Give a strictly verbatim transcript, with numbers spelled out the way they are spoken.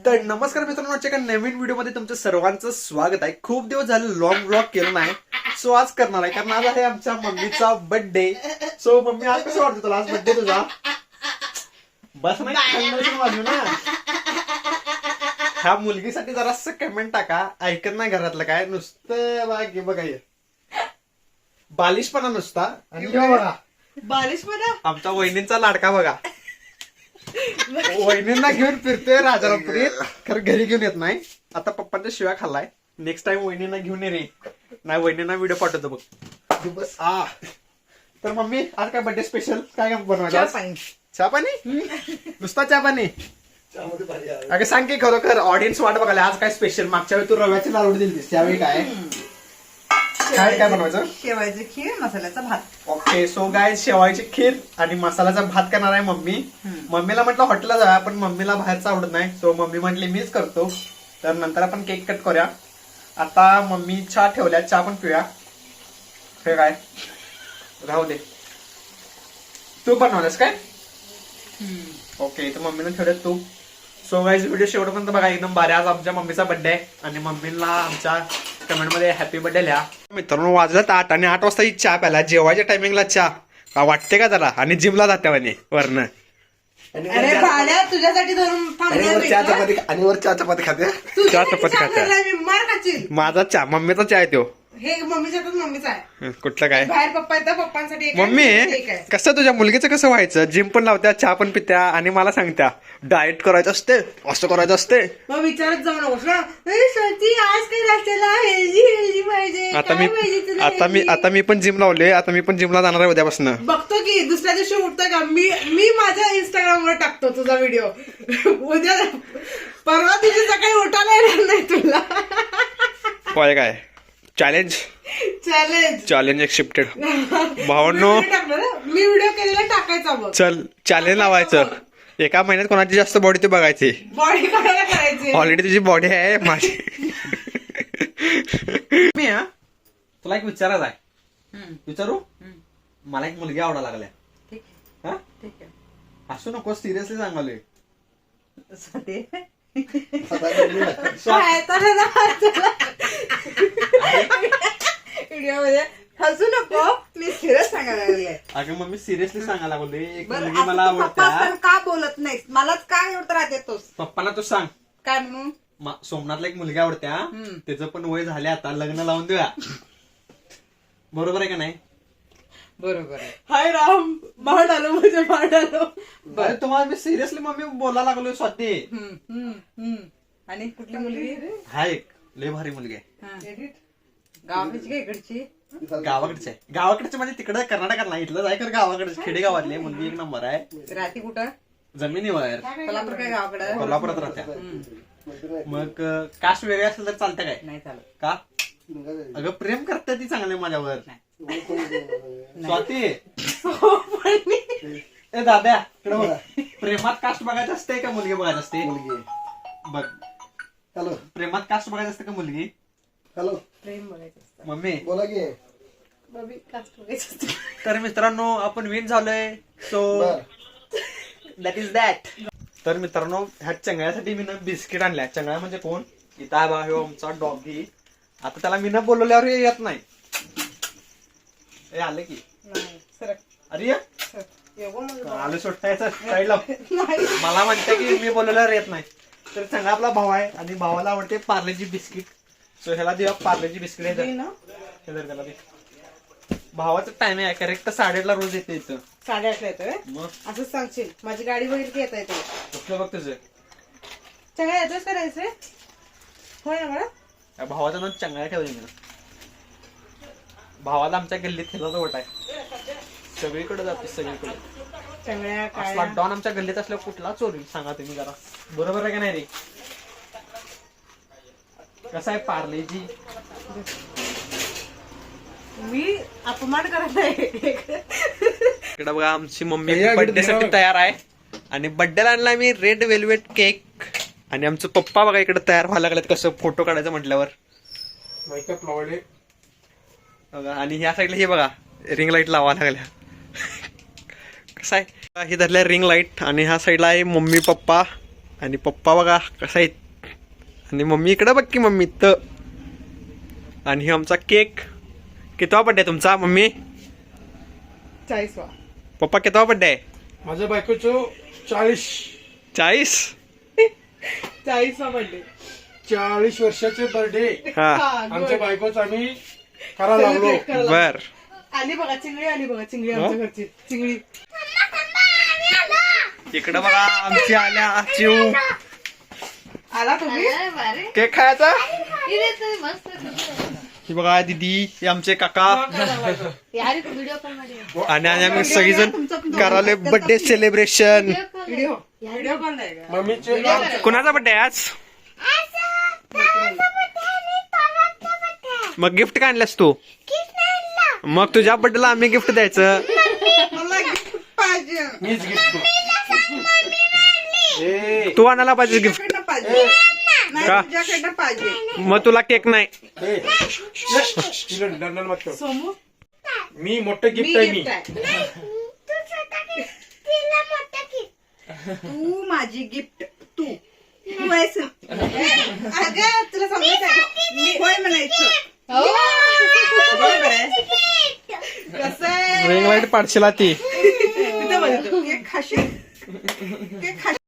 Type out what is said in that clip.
तर नमस्कार मित्रांनो, आजच्या एका नवीन व्हिडिओमध्ये तुमचं सर्वांचं स्वागत आहे. खूप दिवस झाले लॉंग व्लॉग केलं नाही, सो आज करणार आहे कारण आज आहे आमच्या मम्मीचा बर्थडे. सो मम्मी, आज कसं वाटतं तुला? आज बर्थडे तुझा? बस नाही वाजू ना. ह्या मुलगीसाठी जरासं कमेंट टाका. ऐकत नाही घरातलं काय, नुसतं बघा बघा हे बालिशपणा नुसता. आणि बघा बालिशपणा आमच्या वहिनींचा लाडका बघा. वहिनींना घेऊन फिरतोय राजारामपुरीत, खरं घरी घेऊन येत नाही. आता पप्पांच्या शिव्या खाल्लाय. नेक्स्ट टाइम वहिनींना घेऊन ये रे. नाही, वहिनींना व्हिडिओ पाठवतो बघ. बस आ तर मम्मी, आज काय बर्थडे स्पेशल काय बनवायचं? चहा पाणी? नुसता चहा पाणी? अगं सांग की खरोखर ऑडियन्स वाट बघायला आज काय स्पेशल. मागच्या वेळी तू रव्याची लाडू दिलीस, त्यावेळी काय काय काय बनवायचं? शेवायची खीर, मसाल्याचा भात. ओके, सो गाय शेवायची खीर आणि मसाल्याचा भात करणार आहे मम्मी. मम्मीला म्हटलं हॉटेलला जाऊया, पण मम्मीला बाहेरचं आवडत नाही. सो मम्मी म्हटली मीच करतो. तर नंतर आपण केक कट करूया. आता मम्मी चहा ठेवल्या, चहा पण पिऊया. हे काय राहू दे. तू बनवलंस काय? ओके, तर मम्मीने ठेवले तू. सो गाईज, व्हिडिओ शेवटपर्यंत बघा, एकदम भारी. आज आमच्या मम्मीचा बर्थडे आहे आणि मम्मीला आमच्या कमेंट मध्ये हॅपी बर्थडे लिहा. मित्रांनो, वाजलं आठ आणि आठ वाजता ही चहा प्याला. जेवायच्या टायमिंगला चहा का वाटते का जरा? आणि जिमला जाते म्हणे वरनं. अरे भाड्या, तुझ्यासाठी धरून चहा चपाती आणि वर चहा चपाती खाते. चहा चपाती खाते. मार खाशील. माझा चहा, मम्मीचा चहा आहे तो. हे मम्मीच्या मम्मीचा आहे. कुठलं काय? बाहेर पप्पा येतात, पप्पांसाठी एक आहे, मम्मी एक आहे. कसं तुझ्या मुलगीचं कसं व्हायचं? जिम पण लावत्या, चहा पण पित्या आणि मला सांगत्या डाएट करायचं असते, असं करायचं असते. मग विचारत जाऊ नकोस ना, "ए, स्वाती, आज काय नाश्त्याला हेल्दी हेल्दी पाहिजे, आता काय मी पाहिजे तुला आता मी healthy?" आता मी पण जिम लावले. आता मी पण जिमला जाणार आहे उद्यापासून. बघतो की दुसऱ्या दिवशी उठतोय का मी मी माझ्या इंस्टाग्राम वर टाकतो तुझा व्हिडिओ. उद्या परवा दिवशी सकाळी उठायला येणार नाही तुला. होय काय? Challenge challenge challenge accepted. भावांनो, मी व्हिडिओ केलेला टाकायचा बघ. चल चॅलेंज लावायचं. एका महिन्यात कोणाची जास्त बॉडी ते बघायची. बॉडी करायला करायची. ऑलरेडी तुझी बॉडी आहे माझी. मी हा तुला एक विचारायचं आहे. विचारू? मला एक मुलगी आवडा लागल्या. ठीक हा, ठीक आहे. असू नको, सिरियसली सांगालोय. स्वाती. स्वा- व्हिडिओ मध्ये हसू नको, मी सिरियस सांगायला लागले. अगं मम्मी, सिरियसली सांगायला लागलोय. एक बरं, मुलगी असं मला तू पप्पा आवडत्या. असताना का बोलत नाहीस? मलाच का एवढं त्रास देतोस? पप्पाला तू सांग. काय म्हणून? मा- सोमनाथला एक मुलगी आवडत्या. हम्म. त्याचं पण वय झाले, आता लग्न लावून देऊया. बरोबर आहे का नाही? बरोबर आहे. हाय राम, भाड आलो म्हणजे भाड आलो. अरे तुम्हाला मी सिरियसली मम्मी बोलायला लागलोय स्वाती. हम्म, हम्म, हम्म. आणि कुठली मुलगी? हा, एक लय भारी मुलगी आहे. हा. गावाकडची का इकडची? गावाकडचे आहे. गावाकडचे म्हणजे तिकडे कर्नाटकात नाही, इथलं जाय कर. गावाकडे खेडेगावातली मुलगी एक नंबर आहे. राहती कुठं? जमिनीवर कोल्हापूर काय गावाकडं? कोल्हापुरात राहत्या. मग कास्ट वेगळे असेल तर चालतं काय? नाही चालत. का? अगं प्रेम करते ती चांगले माझ्यावर. स्वाती, ए दाद्या, इकडे बघ. प्रेमात कास्ट बघायचं असते का मुलगी बघायची असते? मुलगी बघ. हॅलो, प्रेमात कास्ट बघायचं असते का मुलगी? हॅलो, प्रेम बघायचं असतं. मम्मी बोला की. बबी, कास्ट बघायचं असतं. तर मित्रांनो, आपण विन झालोय. So that is that. तर मित्रांनो, ह्या चंगळ्यासाठी मी ना बिस्किट आणल्या. चंगळ्या म्हणजे कोण? इथं आहे बा, ह्यो आमचा डॉगी. आता त्याला मी न बोलवल्यावर हे येत नाही. हे आले की. नाही, सरक, अरे सरक. एवढं म्हणजे आलं सुट्टायचं साईडला. नाही. मला म्हणते की मी बोलवल्यावर येत नाही. तर चांगला आपला भाव आहे आणि भावाला आवडते पार्लेजी बिस्किट. सो ह्याला देऊया पार्लेजी बिस्किट. दे ना. हे धर त्याला दे. भावाचं टायमिंग आहे करेक्ट साडेआठला रोज येते इथं. साडेआठला येतोय. मग असंच सांगशील, माझी गाडी बघितली की येता येते. कुठलं बघ तुझं? चंगळ्या येतोच करायचं रे? होय ना मला. या भावाचं नाव चंगळ्या ठेवले मी. भावाला आमच्या गल्लीत खेळाचा वट आहे. सगळीकडे जाते, सगळीकडे. चंगळ्या काय असला डॉन आमच्या गल्लीत असल्या कुठला चोरी सांगा तुम्ही जरा. बरोबर आहे का नाही रे? कसं आहे पार्लेजी? मी अपमान करत आहे. इकडे बघा, आमची मम्मी बर्थडे साठी तयार आहे आणि बर्थडेला आणलाय मी रेड वेल्वेट केक. आणि आमचं पप्पा बघा इकडे तयार व्हायला लागलेत कसं फोटो काढायचं म्हटल्यावर. बघा, आणि ह्या साईडला हे बघा रिंग लाईट लावायला लागल्या. कसं आहे, हे धरल्या रिंग लाईट आणि ह्या साईडला आहे मम्मी पप्पा आणि पप्पा बघा कसा आहेत आणि मम्मी इकडं बघ की मम्मी तर आणि हे आमचा केक कितवा बड्डे तुमचा मम्मी चाळीस वा पप्पा कितवा बड्डे आहे माझ्या बायकोचं चाळीस चाळीस चाळीस वा बर्थडे चाळीस वर्षाचे बर्थडे हा आमच्या बायकोच आम्ही करायला लागलो. बर आली बघा चिंगडी आली बघा चिंगडी आमच्या घरची चिंगडी इकडं बघा आमची आल्या चिव आला तुम्ही केक खायचा मस्त ही बघा दीदी हे आमचे काका यार व्हिडिओ कॉल मध्ये आणि आणि आम्ही सगळीजण कराले birthday celebration video video call नाही का मम्मीचे कुणाचा बर्थडे आज मग गिफ्ट काय आणलंस तू मग तुझ्या बर्थडेला आम्ही गिफ्ट द्यायचं मला गिफ्ट पाहिजे मीच गिफ्ट ए तू आणायला पाहिजे गिफ्ट तुझ्याकडनं पाहिजे नाही का? तुझ्याकडनं पाहिजे मग तुला केक नाही ए, तिला दंडन मत कर. सोमू मी मोठं मी गिफ्ट आहे मी गिफ्ट आहे तू माझी गिफ्ट तू तू आहेस अगं तुला सांगायचं मी होय म्हणायचं बरोबर आहे कसं आहे रिंग लाईट पाडशीला ती तिथं बघ केक खाशील केक खाशील